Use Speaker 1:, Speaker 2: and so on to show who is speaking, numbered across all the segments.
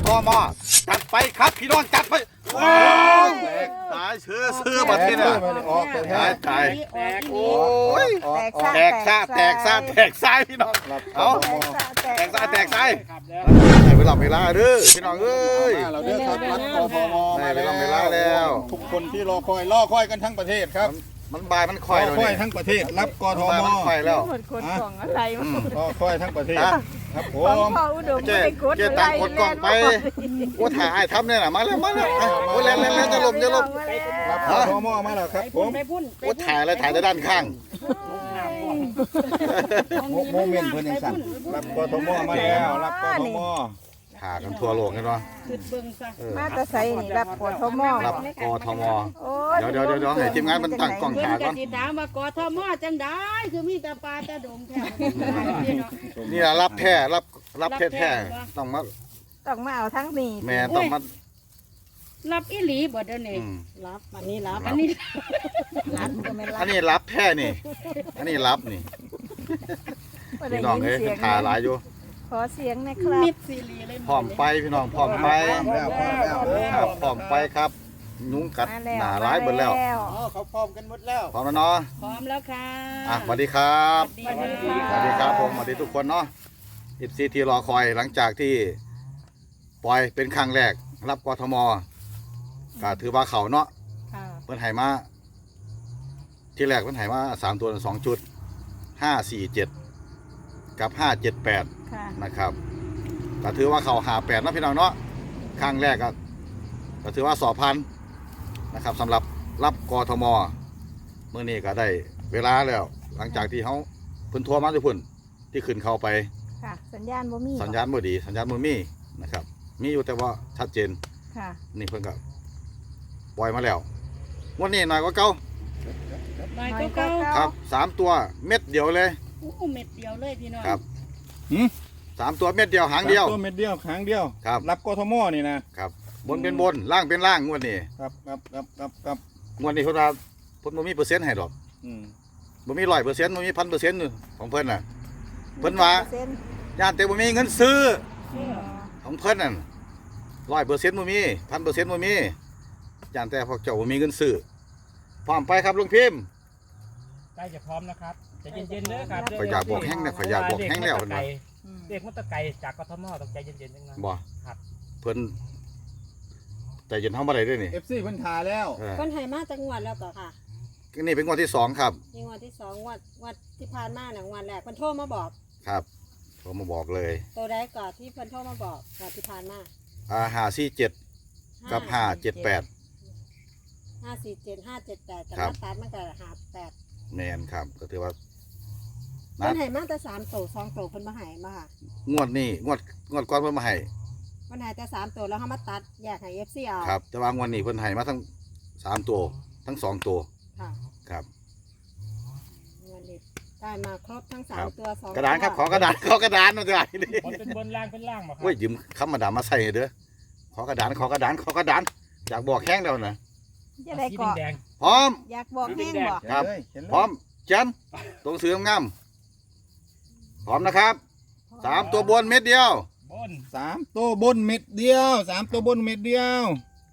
Speaker 1: ทมจัดไปครับพี่น้องจัดไปตายเชื่อมาที่เนี่ยตายโอ้ยแตกซาพี่น้องเอาแตกซาให้เวลาเด้อพี่น้องเอ้ย
Speaker 2: เราเด้อครับรัฐกทม
Speaker 1: ให้เวลาแล้ว
Speaker 2: ทุกคนที่รอคอยกันทั้งประเทศครับ
Speaker 1: มันบายมันคอยเลย
Speaker 2: ทั้งประเทศรับกทม
Speaker 1: มันคอยแล้ว
Speaker 3: คนกล่องอะไรมั้ง
Speaker 2: คอยทั้งประเทศครับผม
Speaker 1: เจ๊ตังกดกล่องไปโอ้ถ่ายทำเนี่ยนะมาแล้วโอ้แล้วจะลม
Speaker 2: รับกทมมาแล้วครับผม
Speaker 1: โอ้ถ่ายแต่ด้านข้าง
Speaker 2: โมเมนต์เพื่อนยังสั่นรับกทมมาแล้วรับกทม
Speaker 1: ถ่ากันทั่วโลกกันวะ
Speaker 3: มาตะไซนี่รับกทม
Speaker 1: รับกทมเดี๋ยวให้ทีมงานมันตั้งกล่องถ่ายก่อน
Speaker 4: ถามว่ากทมจังได้คือมีแต่ปลาแต่ดงแค่
Speaker 1: นี่แหละรับแท้รับแท้ต้องมา
Speaker 3: เอาทั้งนี้
Speaker 1: แม่ต้องมา
Speaker 4: รับอีหลีบ่เดี๋ยวนี้รับอันนี้รับ
Speaker 1: อันนี้รับแท้นี่อันนี้รับนี่พี่น้องเอ้ยถ่ายหลายอยู่
Speaker 3: ขอเสียงนะครับ
Speaker 4: มิดซีรีเลย
Speaker 1: พร้อมไปพี่น้องพร้อมไปครับพร้อมไปครับนุ้งกัดหนาร้ายหมดแล้ว
Speaker 2: เขาพร้อมกันหมดแล้ว
Speaker 1: พร้อมแล้วเนาะ
Speaker 4: พร้อมแล้วค่ะ
Speaker 1: สวัสดีครับสวัสดีครับผมสวัสดีทุกคนเนาะ14ที่รอคอยหลังจากที่ปล่อยเป็นครั้งแรกรับกทมก็ถือว่าเขาเนาะเพิ่นให้มาที่แรกเพิ่นให้มา3ตัว2จุด547กับ578นะครับก็ถือว่าเขา58นะพี่น้องเนาะครั้งแรกก็ถือว่าสอบพันนะครับสำหรับรับกทมเมื่อนี้ก็ได้เวลาแล้วหลังจากที่เขาเพิ่นทัวร์มาทุกคนที่ขึ้นเข้าไป
Speaker 3: สัญญาณบ่มี
Speaker 1: สัญญาณบ่ดีสัญญาณบ่มีนะครับมีอยู่แต่ว่าชัดเจนนี่เพิ่นก็ปล่อยมาแล้ววันนี้หน่อยกว่าเก่าครับ3ตัวเม็ดเดียวเลย
Speaker 4: เม็ดเดียวเลยพี่น้อง
Speaker 1: ครับ3ตัวเม็ดเดียวหางเดียว
Speaker 2: ตัวเม็ดเดียวหางเดียว
Speaker 1: ครับ
Speaker 2: รับกทมนี่นะครับ
Speaker 1: บนเป็นบนล่างเป็นล่างงวดนี้
Speaker 2: ครับ
Speaker 1: งวดนี้เพิ่นว่าเพิ่นบ่มีเปอร์เซ็นต์ให้ดอกบ่มี100%บ่มี 1,000% ของเพิ่นน่ะเพิ่นว่าย่านแต่บ่มีเงินซื้อของเพิ่นนั่น100%บ่มี 1,000% บ่มีย่านแต่พวกเจ้าบ่มีเงินซื้อพร้อมไปครับลุงพิมพ์
Speaker 5: ใกล้จะพร้อมนะครับใจเย็นๆเด้อครับ
Speaker 1: ข่อยอยากบอกแห้งเนี่ยข่อยอยากบอกแห้งแล้วเพิ่นว่า
Speaker 5: เด็กมันตะไกจากกทมต้องใจเย็นๆจังนั้น
Speaker 1: บ่
Speaker 5: ครับ
Speaker 1: เพิ่นใจเย็นเฮาบ่ได้เด้อนี่
Speaker 2: FC เพิ่นทาแล้ว
Speaker 4: เพิ่นให้มาจังหวัดแล้วก็ค่ะ
Speaker 1: นี่เป็นงวดที่2ครับ
Speaker 4: งวดที่2งวดที่ผ่านมาน่ะงวดแรกเพิ่นโทรมาบอก
Speaker 1: ครับโทรมาบอกเลย
Speaker 4: ตัวใดก่อนที่เพิ่นโทรมาบอกก่อนที่ผ่านมา
Speaker 1: 547กับ578
Speaker 4: 547 578แต่มาตัดมันก็58
Speaker 1: แม่นครับก็ถือว่า
Speaker 4: เพิ่นให้มาแต่3โต2โตเพิ่นบ่ให้มาค่ะ
Speaker 1: งวดนี้งวดก่อนเพิ่นมาให้
Speaker 4: เพิ่นให้แต่3โตแล้วเฮามาตัดแยกให้ FC เอา
Speaker 1: ครับแต่ว่างวดนี้เพิ่นให้มาทั้ง3ตัวทั้ง2ตัว
Speaker 4: ค่ะ
Speaker 1: ครับ
Speaker 4: งวดนี้ได้มาครบทั้ง3ตัว2
Speaker 1: กระดานครับขอกระดานมาจะได้นี่
Speaker 5: เป็นบนล่างเป็นล่างบ่ครับ
Speaker 1: โอ้ยยืมคำมาดามมาใส่เด้อขอกระดานอยากบอกแห้งแล้วนะ
Speaker 3: จะได้ก่อ
Speaker 1: พร้อม
Speaker 3: อยากบอกแห้งบ่
Speaker 1: ครับพร้อมจันตรงเสืองามพร้อมนะครับ3ตัวบนเม็ดเดียว
Speaker 5: บน
Speaker 2: 3ตัวบนเม็ดเดียว3ตัวบนเม็ดเดียว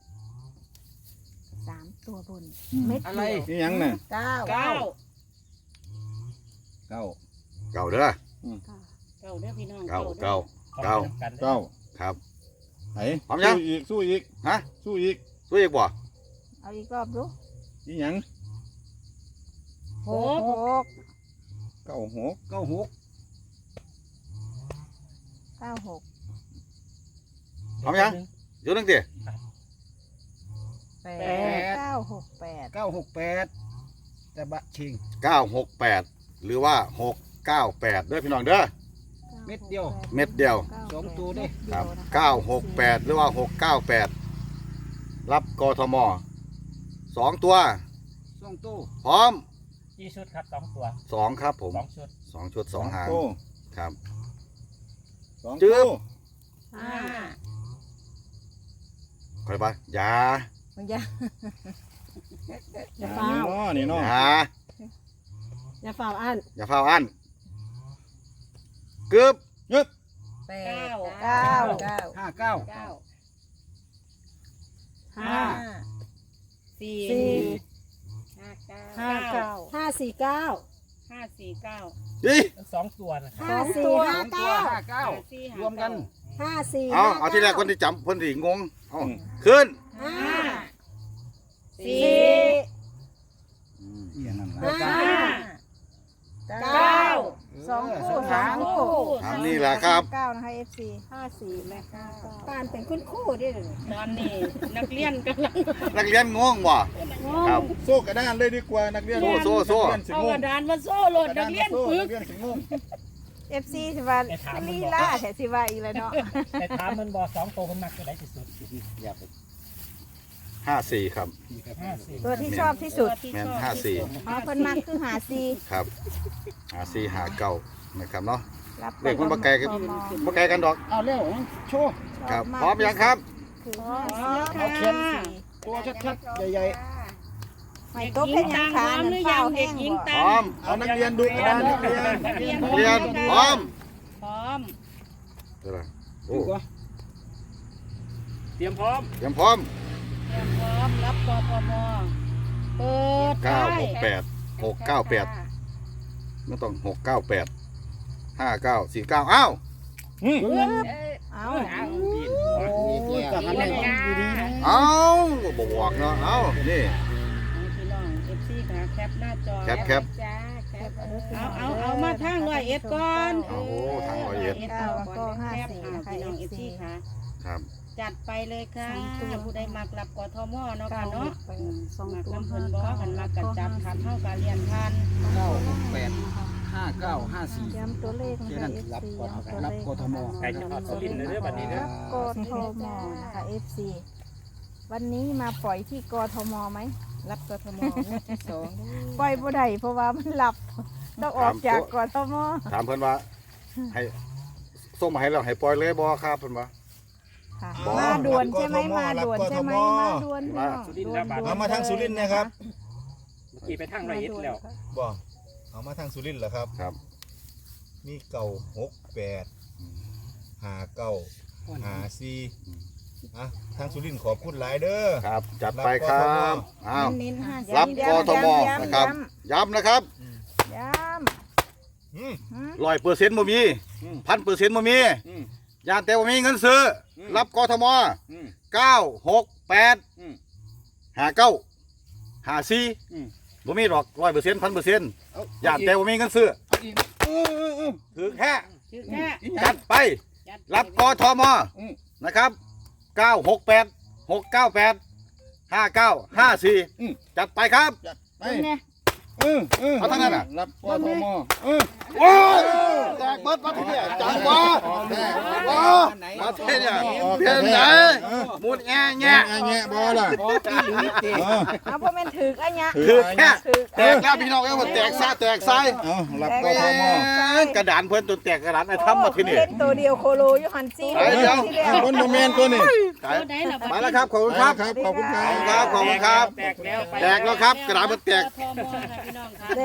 Speaker 3: 3ตัวบนเม็ด
Speaker 2: อะไรนี่ยังน่ะ
Speaker 4: 9
Speaker 1: เก่าเด้อ
Speaker 4: 9เด้อพี่น้อง
Speaker 1: เก่าครับ
Speaker 2: ไหนพร้อมยังสู้อีก
Speaker 1: ฮะ
Speaker 2: สู้อีก
Speaker 1: บ่
Speaker 3: เอาอีกรอบดู
Speaker 2: นี่ยัง
Speaker 3: 6
Speaker 2: 96
Speaker 1: พร้อมยังอยู่ตั้งแต่
Speaker 3: 968
Speaker 2: แต่บะชิง
Speaker 1: 968หรือว่า698เด้อพี่น้องเด้อ
Speaker 2: เม็ดเดียว
Speaker 1: 2ตัวด้วยครับ968หรือว่า698รับกทม2ตัวพร้อม
Speaker 5: กี่ชุดครับ2ตัว
Speaker 1: 2ครับผม
Speaker 5: 2
Speaker 1: ชุด2หางครับ
Speaker 2: จืบ
Speaker 1: ค่อยไปอย่า
Speaker 4: ฟ้าว
Speaker 2: นี่เนาะ
Speaker 4: อย่าฟ้าวอัน
Speaker 1: กึบ
Speaker 2: ยึบ
Speaker 3: เก้า
Speaker 2: ห้าเก้า
Speaker 3: ห้า
Speaker 6: สี่
Speaker 3: สี่
Speaker 6: ห้าเก้า
Speaker 3: ห้าเก้า
Speaker 4: 549
Speaker 1: นี่
Speaker 5: ทั้งสองตัวนะครับ
Speaker 3: สอง
Speaker 4: 54
Speaker 3: ตัว
Speaker 2: ห้าเก้า รวมกัน
Speaker 4: 54
Speaker 1: เอาที่แรกคนที่จำคนที่งงเอาขึ้น
Speaker 4: 5
Speaker 6: สี่
Speaker 2: อย่างนั้น
Speaker 4: ห้า
Speaker 3: เก้าสองคู่สามคู่
Speaker 1: ถามนี่แหละครับ
Speaker 3: เก้านะคะ FC 54และ59
Speaker 4: ปานเป็นคุณครูเด้อ
Speaker 6: ตอนนี้นักเรียนกำลัง
Speaker 1: นักเรียนงงบ่ครับ
Speaker 2: โซ่กระดานเลยดีกว่านักเรียน
Speaker 1: โซ่
Speaker 2: นักเรียนสิ
Speaker 6: เอา
Speaker 2: ง
Speaker 6: ก
Speaker 2: ง
Speaker 6: ระดานมาโซ่โหลดนักเรียนปึก
Speaker 2: นักเรียนสิงง
Speaker 3: FC สิว่าลีลาแถสิว่าอีกแล้วเนาะ
Speaker 5: แต่ถามมันบอกสองตัวคนมักจะได้ที่สุด
Speaker 2: อย่าไป
Speaker 1: 54ครับ
Speaker 5: 54
Speaker 3: ตัวที่ชอบที่สุด
Speaker 1: แม่น54
Speaker 3: อ๋อเพิ่นมักคือหาซี
Speaker 1: ครับ54 59นะครับเนาะ
Speaker 3: รับ
Speaker 1: เลขมันบ่ไกลกัน
Speaker 3: พม
Speaker 1: บ่ไกลกันดอก
Speaker 2: เอาเร็วโชว์
Speaker 1: ครับ
Speaker 3: ช
Speaker 1: พร้อมยังครับ
Speaker 3: คือ
Speaker 2: เอาเขียนตัวชัดๆใหญ่
Speaker 3: ไม่ตกเป็นหยังขา
Speaker 6: พร้อม
Speaker 3: นั่
Speaker 6: ห
Speaker 3: น
Speaker 6: รือ
Speaker 3: เฝ้า
Speaker 6: ยัง
Speaker 3: แห้
Speaker 6: เด็ก
Speaker 3: ง
Speaker 6: หญิง
Speaker 3: บ่
Speaker 6: ตั
Speaker 1: พร้อม
Speaker 2: ๆเอานักเรียนดูกระดานนักเรียน
Speaker 1: เรียนพร้อม
Speaker 6: พร้อม
Speaker 1: เดี๋ยวนะโอ้
Speaker 2: ดูก่อน
Speaker 5: เตรียมพร้อม
Speaker 1: เตรียมพร้อม
Speaker 6: เตรียมพร้อมรับกทมเปิดได้
Speaker 1: 968 698ไม่ต้อง698 5949อ้าว
Speaker 3: เอา
Speaker 2: จะหันให้ดีๆนะ
Speaker 1: เอ้าบ่บอกเนาะเอ้านี่
Speaker 6: พี่น้อง FC ค่ะแคปหน้าจอ
Speaker 1: แคป
Speaker 6: จ้าแคปเอามาทาง101ก่อน
Speaker 1: โอ้ทาง101
Speaker 6: พี่น้อง FC ค่ะ
Speaker 1: ครับ
Speaker 6: จัดไปเลยค่ะผู้ใดมักรับกทมเนาะ
Speaker 3: เก้า
Speaker 6: ค่ะเนาะ
Speaker 3: สอง
Speaker 6: มัก
Speaker 3: ตัว
Speaker 6: น้ำเพิ่นบ่กันมากันจัดคันเฮาก็เรียนทัน
Speaker 2: 968 5954
Speaker 3: ย้ำตัวเลขนะ
Speaker 2: เท่า
Speaker 3: คะ
Speaker 2: นั้น
Speaker 3: FC
Speaker 2: รับก่อน
Speaker 3: ย้ำตัว
Speaker 2: รั
Speaker 3: เล
Speaker 2: บ
Speaker 3: ข
Speaker 2: กทม
Speaker 5: ใครจะทอดสุรินทร์เด้อบัดนี้เด้อ
Speaker 3: กทมนะคะ FC วันนี้มาปล่อยที่กทมไหมรับกทมที่สองปล่อยบ่ได้เพราะว่ามันหลับต้องออกจากกทม
Speaker 1: ถามเพิ่นว่าให้ส่งมาให้แล้วให้ปล่อยเลยบ่ครับเพิ่นว่า
Speaker 3: ค่ะ
Speaker 1: บ่
Speaker 3: มาด่วนใช่ไหมมาด่วนใช่ไหมมาด่วนพี่น้อง
Speaker 5: สุรินทร์แล้วบัด
Speaker 2: เอามาทางสุรินทร์นะครับ
Speaker 5: เมื่อกี้ไปทาง101แล้ว
Speaker 2: บ่เอามาทางสุรินทร์เหรอครับ
Speaker 1: ครับ
Speaker 2: มี968 59 54อ่ะทางสุรินทร์ขอบคุณหลายเด้อ
Speaker 1: ครับ จัดไปครับอ้าว
Speaker 3: เน้นๆห้า
Speaker 1: รับ
Speaker 3: ย้ำ
Speaker 1: กทม
Speaker 3: ย้ำ
Speaker 1: นะครับ ย้ำนะครับ
Speaker 3: ย้
Speaker 2: อืม
Speaker 3: ำ
Speaker 1: 100%บ่มี 1,000%บ่มีย่านแต่บ่มีเงินซื้ออรับกทม 968 59 54บ่มีดอก 100% 1,000%ย่านแต่บ่มีเงินซื้อถือแค่
Speaker 6: ชื่อแค่
Speaker 1: จัดไป รับกทมนะครับ 968 698 5954จัดไปครับ
Speaker 2: ไป
Speaker 3: เป็นไง
Speaker 1: เอาทั้งนั้นน่ะ
Speaker 2: รับกทม
Speaker 1: โอ้ยแตกเบิดมาที่เนี่ยจังวะว้ามาที่เนี่ยเพียงไหนมุดแง่แง่
Speaker 2: แง่บ่ล่ะ
Speaker 3: เอาเพราะมันถืออันเนี้ย
Speaker 1: คือแค่
Speaker 3: ถือ
Speaker 1: แตกแล้วพี่น้องเอ้ยว่าแตกซะแตกไส้
Speaker 2: เอารับกทม
Speaker 1: กระดานเพิ่นจนแตกกระดานไอ้ทำมาที่นี่
Speaker 3: เล่นตัวเดียวโคโลอยู่หันซี
Speaker 1: ไปเดี๋ยว
Speaker 3: ที่แล้ว
Speaker 2: คนโมเมนต์ตัวนี้
Speaker 6: ตัวไหนล่ะ
Speaker 1: มาแล้วครับขอบคุณครับ
Speaker 2: ขอบคุณครั
Speaker 1: ขอบคุณครับขอบคุณครับ
Speaker 5: แตกแล้วไป
Speaker 1: แตกแล้วครับกระดานมันแตก
Speaker 6: กทมค่ะพี่น้องค่ะ